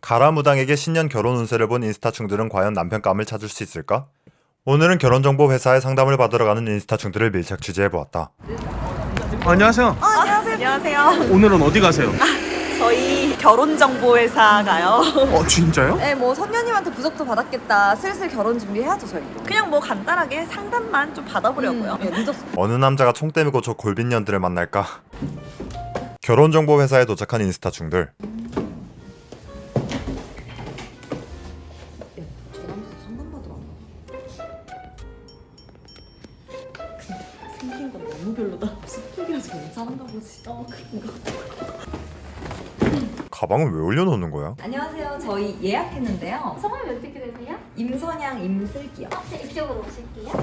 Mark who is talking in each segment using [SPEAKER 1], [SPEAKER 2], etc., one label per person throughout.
[SPEAKER 1] 가라무당에게 신년 결혼 운세를 본 인스타충들은 과연 남편감을 찾을 수 있을까? 오늘은 결혼정보 회사에 상담을 받으러 가는 인스타충들을 밀착 취재해보았다.
[SPEAKER 2] 안녕하세요.
[SPEAKER 3] 안녕하세요.
[SPEAKER 2] 오늘은 어디 가세요?
[SPEAKER 3] 저희 결혼정보회사 가요.
[SPEAKER 2] 진짜요?
[SPEAKER 4] 네, 뭐 선녀님한테 부적도 받았겠다. 슬슬 결혼 준비해야죠, 저희도.
[SPEAKER 3] 그냥 뭐 간단하게 상담만 좀 받아보려고요.
[SPEAKER 4] 네, 늦었어.
[SPEAKER 1] 어느 남자가 총 때리고 저 골빈년들을 만날까? 결혼정보 회사에 도착한 인스타충들.
[SPEAKER 4] 저 남자 상담받으러 왔나? 생긴 건 너무 별로다. 스토리라서 괜찮은가 보지. 그런가.
[SPEAKER 1] 가방을 왜 올려놓는 거야?
[SPEAKER 4] 안녕하세요. 저희 예약했는데요.
[SPEAKER 5] 성함이 어떻게 되세요?
[SPEAKER 4] 임선양, 임슬기요.
[SPEAKER 5] 네, 이쪽으로 오실게요.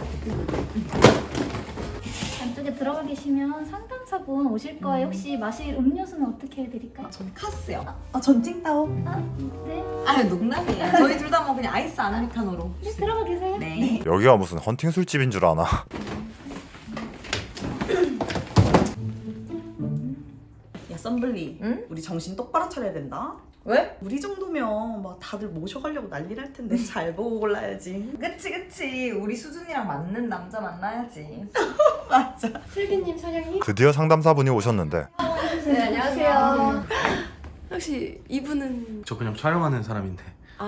[SPEAKER 5] 안쪽에 들어가 계시면 상담사분 오실 거예요. 혹시 마실 음료수는 어떻게 해드릴까요?
[SPEAKER 4] 전 카스요.
[SPEAKER 3] 전 찡따오.
[SPEAKER 5] 네.
[SPEAKER 4] 농담이에요. 저희 둘 다 뭐 그냥 아이스 아메리카노로.
[SPEAKER 5] 네, 들어가 계세요.
[SPEAKER 4] 네.
[SPEAKER 1] 여기가 무슨 헌팅 술집인 줄 아나?
[SPEAKER 3] 야 썬블리,
[SPEAKER 4] 응?
[SPEAKER 3] 우리 정신 똑바로 차려야 된다.
[SPEAKER 4] 왜?
[SPEAKER 3] 우리 정도면 막 다들 모셔가려고 난리 날 텐데 잘 보고 골라야지.
[SPEAKER 4] 그치. 우리 수준이랑 맞는 남자 만나야지.
[SPEAKER 3] 맞아.
[SPEAKER 6] 슬기님, 사장님.
[SPEAKER 1] 드디어 상담사분이 오셨는데
[SPEAKER 6] 네, 안녕하세요. 혹시 이분은
[SPEAKER 2] 저 그냥 촬영하는 사람인데.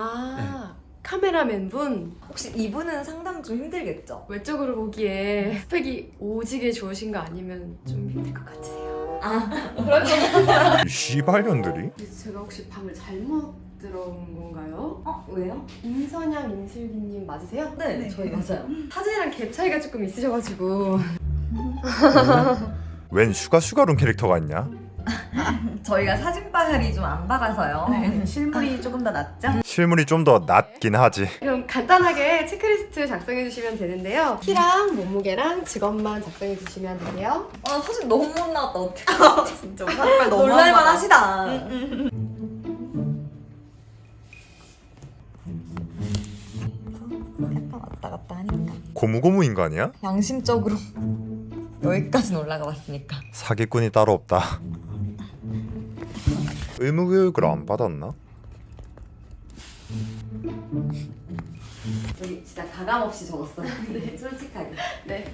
[SPEAKER 6] 카메라맨 분
[SPEAKER 4] 혹시 이분은 상담 좀 힘들겠죠?
[SPEAKER 6] 외적으로 보기에 스펙이 오지게 좋으신 거 아니면 좀 힘들 것 같으세요.
[SPEAKER 1] 이 씨발년들이?
[SPEAKER 6] 제가 혹시 방을 잘못 들어온 건가요?
[SPEAKER 4] 왜요?
[SPEAKER 6] 임선양, 임슬기님 맞으세요?
[SPEAKER 4] 네, 저희 맞아요.
[SPEAKER 6] 사진이랑 갭 차이가 조금 있으셔가지고
[SPEAKER 1] 웬 슈가룸 캐릭터가 있냐?
[SPEAKER 4] 저희가 사진 파일이 좀 안 받아서요.
[SPEAKER 3] 실물이 조금 더 낫죠?
[SPEAKER 1] 실물이 좀 더 낫긴 하지.
[SPEAKER 6] 그럼 간단하게 체크리스트 작성해 주시면 되는데요. 키랑 몸무게랑 직업만 작성해 주시면 되세요.
[SPEAKER 4] 사진 너무 못 나왔다. 어떡해.
[SPEAKER 3] 진짜 우산빨 너무
[SPEAKER 4] 놀랄만 하시다. 했다 왔다 갔다 하니까.
[SPEAKER 1] 고무고무 인간이야?
[SPEAKER 4] 양심적으로 여기까지는 올라가 봤으니까.
[SPEAKER 1] 사기꾼이 따로 없다. 의무교육을 안 받았나?
[SPEAKER 4] 여기 진짜 가감 없이 적었어요. 솔직하게.
[SPEAKER 6] 네.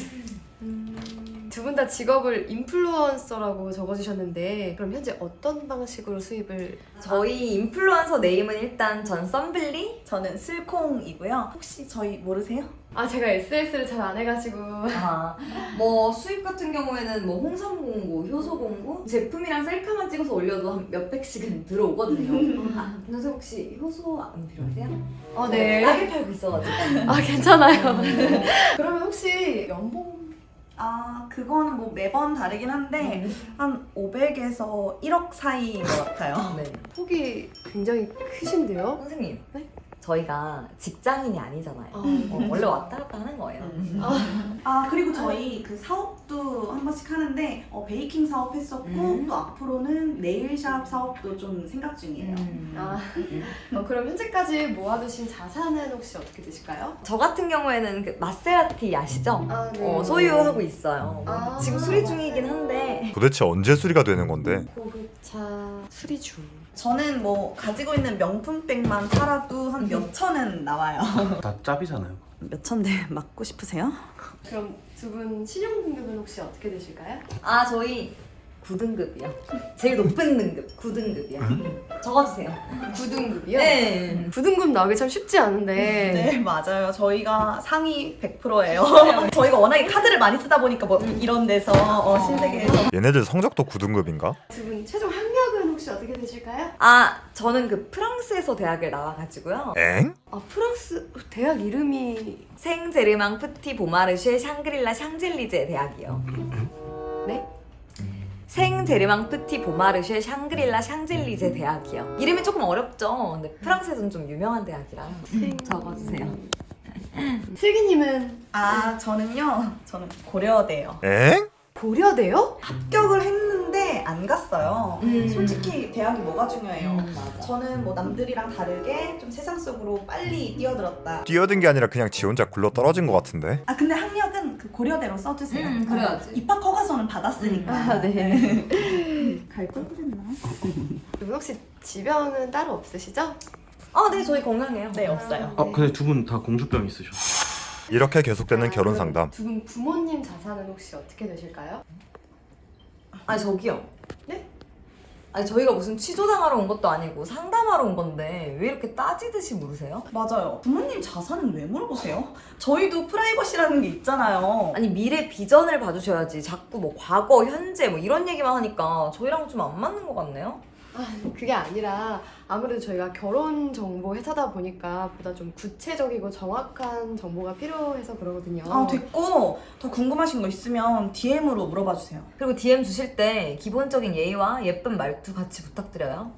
[SPEAKER 6] 두 분 다 직업을 인플루언서라고 적어주셨는데 그럼 현재 어떤 방식으로 수입을
[SPEAKER 4] 저희 인플루언서 네임은 일단 전 썬블리?
[SPEAKER 3] 저는 슬콩이고요. 혹시 저희 모르세요?
[SPEAKER 6] 제가 SS를 잘 안 해가지고
[SPEAKER 4] 뭐 수입 같은 경우에는 뭐 홍삼 공고, 효소 공고 제품이랑 셀카만 찍어서 올려도 한 몇백씩은 들어오거든요. 근데 혹시 효소 안 필요하세요?
[SPEAKER 6] 네.
[SPEAKER 4] 싸게 팔고 있어가지고.
[SPEAKER 6] 괜찮아요. 그러면 혹시 연봉
[SPEAKER 3] 그거는 뭐 매번 다르긴 한데 한 500에서 1억 사이인 것 같아요.
[SPEAKER 4] 네.
[SPEAKER 6] 폭이 굉장히 크신데요?
[SPEAKER 4] 선생님.
[SPEAKER 6] 네?
[SPEAKER 4] 저희가 직장인이 아니잖아요. 원래 왔다 갔다 하는 거예요.
[SPEAKER 3] 그리고 저희 그 사업도 한 번씩 하는데 베이킹 사업 했었고 또 앞으로는 네일샵 사업도 좀 생각 중이에요.
[SPEAKER 6] 그럼 현재까지 모아두신 자산은 혹시 어떻게 되실까요?
[SPEAKER 4] 저 같은 경우에는 그 마세라티 아시죠?
[SPEAKER 6] 네.
[SPEAKER 4] 소유하고 있어요.
[SPEAKER 6] 아.
[SPEAKER 4] 지금 수리 중이긴 한데
[SPEAKER 1] 도대체 언제 수리가 되는 건데?
[SPEAKER 6] 고급차 수리 중.
[SPEAKER 3] 저는 뭐 가지고 있는 명품백만 팔아도 한 몇 천은 나와요.
[SPEAKER 2] 다 짭이잖아요.
[SPEAKER 3] 몇 천대 맞고 싶으세요?
[SPEAKER 6] 그럼 두 분 신용 등급은 혹시 어떻게 되실까요?
[SPEAKER 4] 저희 9등급이요. 제일 높은 등급 9등급이요. 적어주세요.
[SPEAKER 6] 9등급이요?
[SPEAKER 4] 네.
[SPEAKER 6] 9등급 나오기 참 쉽지 않은데
[SPEAKER 3] 네 맞아요. 저희가 상위 100%예요. 저희가 워낙에 카드를 많이 쓰다 보니까 뭐 이런 데서 신세계에서
[SPEAKER 1] 얘네들 성적도 9등급인가?
[SPEAKER 6] 두 분 최종 학력은 혹시 어떻게 되실까요?
[SPEAKER 4] 저는 그 프랑스에서 대학을 나와가지고요.
[SPEAKER 1] 엥?
[SPEAKER 6] 프랑스 대학 이름이
[SPEAKER 4] 생제르망 프티 보마르쉐 샹그릴라 샹젤리제 대학이요.
[SPEAKER 6] 네?
[SPEAKER 4] 생제르망 프티 보마르쉐 샹그릴라 샹젤리제 대학이요. 이름이 조금 어렵죠. 근데 프랑스에서는 좀 유명한 대학이라 적어주세요.
[SPEAKER 6] 슬기님은
[SPEAKER 3] 저는요. 저는 고려대요.
[SPEAKER 1] 엥?
[SPEAKER 6] 고려대요?
[SPEAKER 3] 합격을 했는데 안 갔어요. 솔직히 대학이 뭐가 중요해요.
[SPEAKER 4] 맞아.
[SPEAKER 3] 저는 뭐 남들이랑 다르게 좀 세상 속으로 빨리 뛰어들었다.
[SPEAKER 1] 뛰어든 게 아니라 그냥 지 혼자 굴러 떨어진 것 같은데?
[SPEAKER 3] 근데 학력은 그 고려대로 써주세요.
[SPEAKER 4] 그래야지.
[SPEAKER 3] 입학 허가서는 받았으니까.
[SPEAKER 6] 네.
[SPEAKER 3] 갈 걸 그랬나?
[SPEAKER 6] 그리고 혹시 지병은 따로 없으시죠?
[SPEAKER 4] 네, 저희 건강해요.
[SPEAKER 3] 네, 없어요.
[SPEAKER 2] 근데 두 분 다 공주병 있으셔.
[SPEAKER 1] 이렇게 계속되는 결혼 상담.
[SPEAKER 6] 두 분 부모님 자산은 혹시 어떻게 되실까요?
[SPEAKER 4] 아니 저기요.
[SPEAKER 6] 네?
[SPEAKER 4] 아니 저희가 무슨 취조당하러 온 것도 아니고 상담하러 온 건데 왜 이렇게 따지듯이 물으세요?
[SPEAKER 3] 맞아요. 부모님 자산은 왜 물어보세요? 저희도 프라이버시라는 게 있잖아요.
[SPEAKER 4] 아니 미래 비전을 봐주셔야지 자꾸 뭐 과거, 현재 뭐 이런 얘기만 하니까 저희랑 좀 안 맞는 것 같네요?
[SPEAKER 6] 그게 아니라 아무래도 저희가 결혼 정보 회사다 보니까 보다 좀 구체적이고 정확한 정보가 필요해서 그러거든요.
[SPEAKER 3] 됐고 더 궁금하신 거 있으면 DM으로 물어봐 주세요.
[SPEAKER 4] 그리고 DM 주실 때 기본적인 예의와 예쁜 말투 같이 부탁드려요.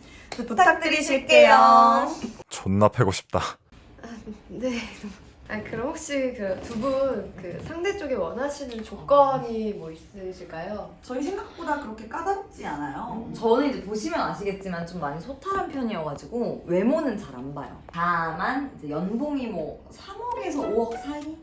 [SPEAKER 3] 부탁드리실게요.
[SPEAKER 1] 존나 패고 싶다.
[SPEAKER 6] 네. 그럼 혹시 그 두 분 그 상대 쪽에 원하시는 조건이 뭐 있으실까요?
[SPEAKER 3] 저희 생각보다 그렇게 까다롭지 않아요.
[SPEAKER 4] 저는 이제 보시면 아시겠지만 좀 많이 소탈한 편이어가지고 외모는 잘 안 봐요. 다만 이제 연봉이 뭐 3억에서 5억 사이?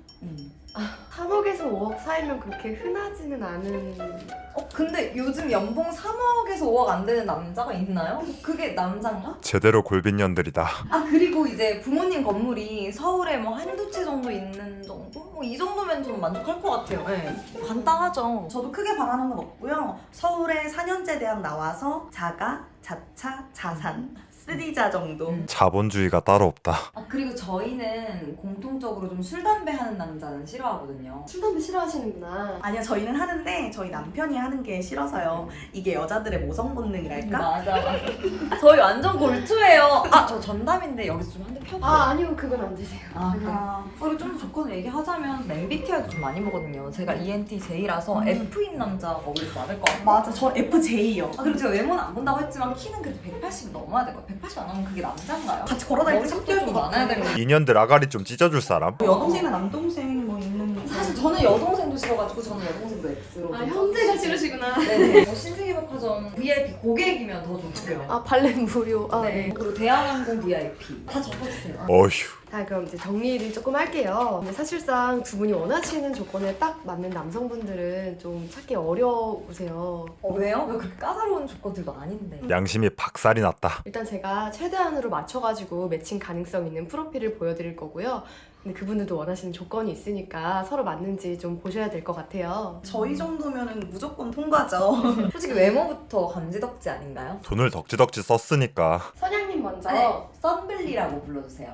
[SPEAKER 6] 3억에서 5억 사이면 그렇게 흔하지는 않은.
[SPEAKER 4] 근데 요즘 연봉 3억에서 5억 안 되는 남자가 있나요? 그게 남자인가?
[SPEAKER 1] 제대로 골빈년들이다.
[SPEAKER 4] 그리고 이제 부모님 건물이 서울에 뭐 한두 채 정도 있는 정도? 뭐 이 정도면 좀 만족할 것 같아요. 네. 간단하죠.
[SPEAKER 3] 저도 크게 바라는 건 없고요. 서울에 4년제 대학 나와서 자가, 자차, 자산 3자 정도.
[SPEAKER 1] 자본주의가 따로 없다.
[SPEAKER 4] 그리고 저희는 공통적으로 좀 술, 담배 하는 남자는 싫어하거든요.
[SPEAKER 6] 술 담배 싫어하시는구나.
[SPEAKER 3] 아니요, 저희는 하는데 저희 남편이 하는 게 싫어서요. 이게 여자들의 모성 본능이랄까?
[SPEAKER 4] 맞아. 저희 완전 골투예요. 저 전담인데 여기서 좀 한 대 펴줘요.
[SPEAKER 6] 아니요, 그건 안 되세요.
[SPEAKER 4] 그래. 그리고 좀 더 조건을 얘기하자면 MBTI도 좀 많이 보거든요. 제가 ENTJ라서 F인 남자 먹을 줄 알을 것 같아요.
[SPEAKER 3] 맞아, 저 FJ요.
[SPEAKER 4] 그리고 제가 외모는 안 본다고 했지만 키는 그래도 180 넘어야 될 것 같아요. 180 안 하면 그게 남자인가요?
[SPEAKER 3] 같이 걸어다닐 때
[SPEAKER 4] 머리도
[SPEAKER 3] 섞여
[SPEAKER 4] 좀
[SPEAKER 3] 것
[SPEAKER 4] 많아야
[SPEAKER 3] 같아요.
[SPEAKER 4] 되는 거.
[SPEAKER 1] 인연들 아가리 좀 찢어줄 사람?
[SPEAKER 3] 여동생이나 남동생 뭐 있는.
[SPEAKER 4] 사실 저는 여동생도 싫어가지고 저는 여동생도 X로.
[SPEAKER 6] 형제가 싫으시구나.
[SPEAKER 4] 네네. 신세계백화점 VIP 고객이면 더 좋고요.
[SPEAKER 6] 발렛 무료. 네.
[SPEAKER 4] 그리고 대한항공 VIP 다 적어주세요.
[SPEAKER 1] 어휴.
[SPEAKER 6] 그럼 이제 정리를 조금 할게요. 근데 사실상 두 분이 원하시는 조건에 딱 맞는 남성분들은 좀 찾기 어려우세요.
[SPEAKER 4] 왜요? 왜 그렇게 까다로운 조건들도 아닌데.
[SPEAKER 1] 양심이 박살이 났다.
[SPEAKER 6] 일단 제가 최대한으로 맞춰가지고 매칭 가능성 있는 프로필을 보여드릴 거고요. 근데 그분들도 원하시는 조건이 있으니까 서로 맞는지 좀 보셔야 될 것 같아요.
[SPEAKER 3] 저희 정도면은 무조건 통과죠.
[SPEAKER 4] 솔직히 외모부터 감지덕지 아닌가요?
[SPEAKER 1] 돈을 덕지덕지 썼으니까.
[SPEAKER 6] 선양님 먼저.
[SPEAKER 4] 썬블리라고 불러주세요.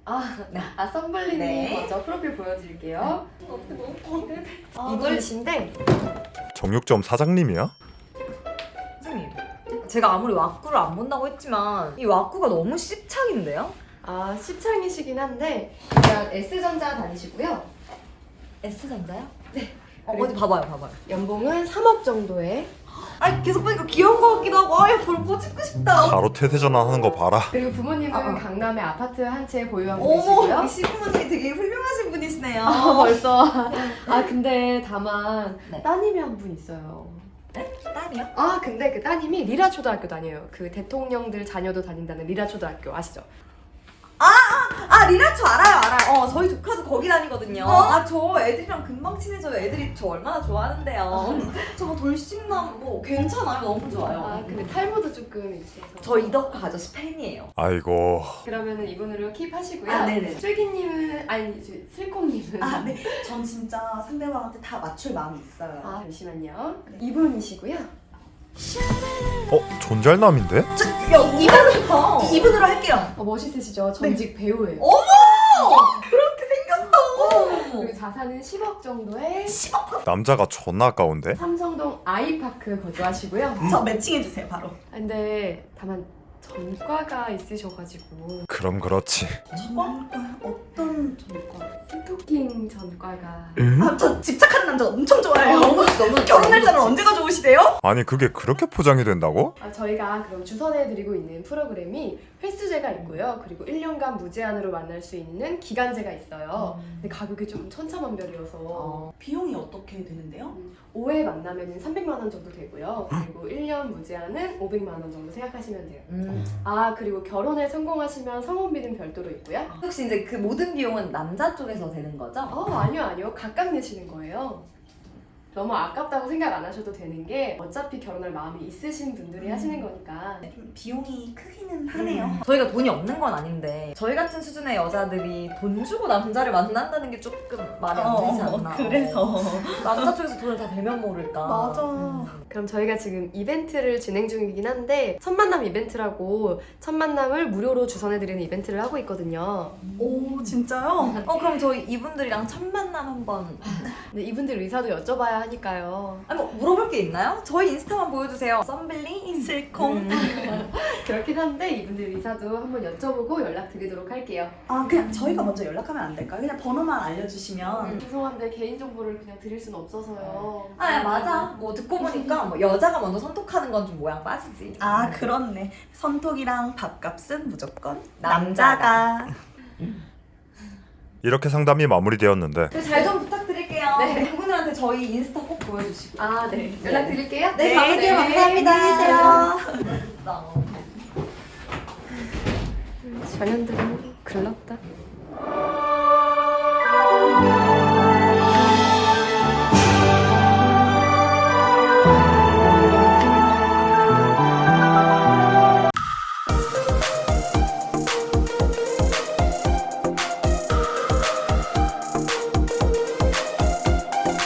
[SPEAKER 6] 썬블리님
[SPEAKER 4] 네.
[SPEAKER 6] 먼저 프로필 보여드릴게요.
[SPEAKER 4] 이걸
[SPEAKER 6] 이분이신데
[SPEAKER 1] 정육점 사장님이야?
[SPEAKER 4] 선생님, 제가 아무리 왁구를 안 본다고 했지만 이 왁구가 너무 씹착인데요?
[SPEAKER 6] 시창이시긴 한데 일단 S전자 다니시고요.
[SPEAKER 4] S전자요? 네. 어디 봐봐요.
[SPEAKER 6] 연봉은 3억 정도에.
[SPEAKER 4] 계속 보니까 귀여운 것 같기도 하고 볼 꼬집고 싶다.
[SPEAKER 1] 바로 퇴대전환 하는 거 봐라.
[SPEAKER 6] 그리고 부모님은 강남에 아파트 한 채 보유하고
[SPEAKER 4] 어머,
[SPEAKER 6] 계시고요.
[SPEAKER 4] 이 시부모님이 되게 훌륭하신 분이시네요.
[SPEAKER 6] 벌써. 근데 다만
[SPEAKER 4] 네.
[SPEAKER 6] 따님이 한 분 있어요.
[SPEAKER 4] 딸이요?
[SPEAKER 6] 근데 그 따님이 리라 초등학교 다녀요. 그 대통령들 자녀도 다닌다는 리라 초등학교 아시죠?
[SPEAKER 4] 리라초 알아요. 저희 조카도 거기 다니거든요. 저 애들이랑 금방 친해져요. 애들이 저 얼마나 좋아하는데요. 저거 돌싱남 뭐 괜찮아요. 너무 좋아요.
[SPEAKER 6] 근데 탈모도 조금 있어서.
[SPEAKER 4] 저 이덕화 아저씨 팬이에요.
[SPEAKER 1] 아이고.
[SPEAKER 6] 그러면은 이분으로 킵하시고요.
[SPEAKER 3] 네네.
[SPEAKER 6] 슬기님은 슬콩님은
[SPEAKER 3] 네. 전 진짜 상대방한테 다 맞출 마음이 있어요.
[SPEAKER 6] 잠시만요. 이분이시고요.
[SPEAKER 1] 존잘남인데?
[SPEAKER 3] 이분으로 할게요.
[SPEAKER 6] 멋있으시죠? 전직 배우예요.
[SPEAKER 3] 그렇게 생겼어.
[SPEAKER 6] 그리고 자산은 10억 정도에
[SPEAKER 1] 남자가 존나 아까운데?
[SPEAKER 6] 삼성동 아이파크 거주하시고요.
[SPEAKER 3] 저 매칭해주세요, 바로.
[SPEAKER 6] 근데 다만 전과가 있으셔가지고
[SPEAKER 1] 그럼 그렇지.
[SPEAKER 3] 전과? 어떤 전과?
[SPEAKER 6] 스토킹 전과가.
[SPEAKER 3] 저 집착하는 남자 엄청 좋아해요.
[SPEAKER 4] 너무
[SPEAKER 3] 결혼 날짜를 언제 가져오시대요?
[SPEAKER 1] 아니 그게 그렇게 포장이 된다고?
[SPEAKER 6] 저희가 그럼 주선해드리고 있는 프로그램이 횟수제가 있고요. 그리고 1년간 무제한으로 만날 수 있는 기간제가 있어요. 근데 가격이 조금 천차만별이어서
[SPEAKER 3] 비용이 어떻게 되는데요?
[SPEAKER 6] 5회 만나면 300만 원 정도 되고요. 그리고 1년 무제한은 500만 원 정도 생각하시면 돼요. 그리고 결혼에 성공하시면 성혼비는 별도로 있고요.
[SPEAKER 4] 혹시 이제 그 모든 비용은 남자 쪽에서 되는 거죠?
[SPEAKER 6] 아니요. 각각 내시는 거예요. 너무 아깝다고 생각 안 하셔도 되는 게 어차피 결혼할 마음이 있으신 분들이 하시는 거니까
[SPEAKER 3] 좀 비용이 크기는 하네요.
[SPEAKER 4] 저희가 돈이 없는 건 아닌데 저희 같은 수준의 여자들이 돈 주고 남자를 만난다는 게 조금 말이 안 되지 않나.
[SPEAKER 3] 그래서.
[SPEAKER 4] 남자 쪽에서 돈을 다 대면 모를까.
[SPEAKER 3] 맞아.
[SPEAKER 6] 그럼 저희가 지금 이벤트를 진행 중이긴 한데 첫 만남 이벤트라고 첫 만남을 무료로 주선해드리는 이벤트를 하고 있거든요.
[SPEAKER 3] 오, 진짜요?
[SPEAKER 4] 그럼 저희 이분들이랑 첫 만남 한번.
[SPEAKER 6] 근데 이분들 의사도 여쭤봐야 하니까요.
[SPEAKER 4] 아니 뭐 물어볼 게 있나요? 저희 인스타만 보여주세요. 썸블리
[SPEAKER 3] 슬콩.
[SPEAKER 6] 그렇긴 한데 이분들 의사도 한번 여쭤보고 연락드리도록 할게요.
[SPEAKER 3] 아, 그냥 저희가 먼저 연락하면 안 될까요? 그냥 번호만 알려주시면.
[SPEAKER 6] 죄송한데 개인정보를 그냥 드릴 수는 없어서요.
[SPEAKER 4] 아 맞아. 뭐 듣고 보니까 뭐 여자가 먼저 선톡하는 건 좀 모양 빠지지.
[SPEAKER 3] 아, 그렇네. 선톡이랑 밥값은 무조건
[SPEAKER 4] 남자가.
[SPEAKER 1] 이렇게 상담이 마무리되었는데
[SPEAKER 4] 잘 좀 부탁드릴게요.
[SPEAKER 6] 네.
[SPEAKER 4] 그분들한테 저희 인스타 꼭 보여주시고.
[SPEAKER 6] 아, 네. 연락드릴게요.
[SPEAKER 4] 네, 감사합니다.
[SPEAKER 3] 안녕히 계세요.
[SPEAKER 6] 전현들은 글렀다.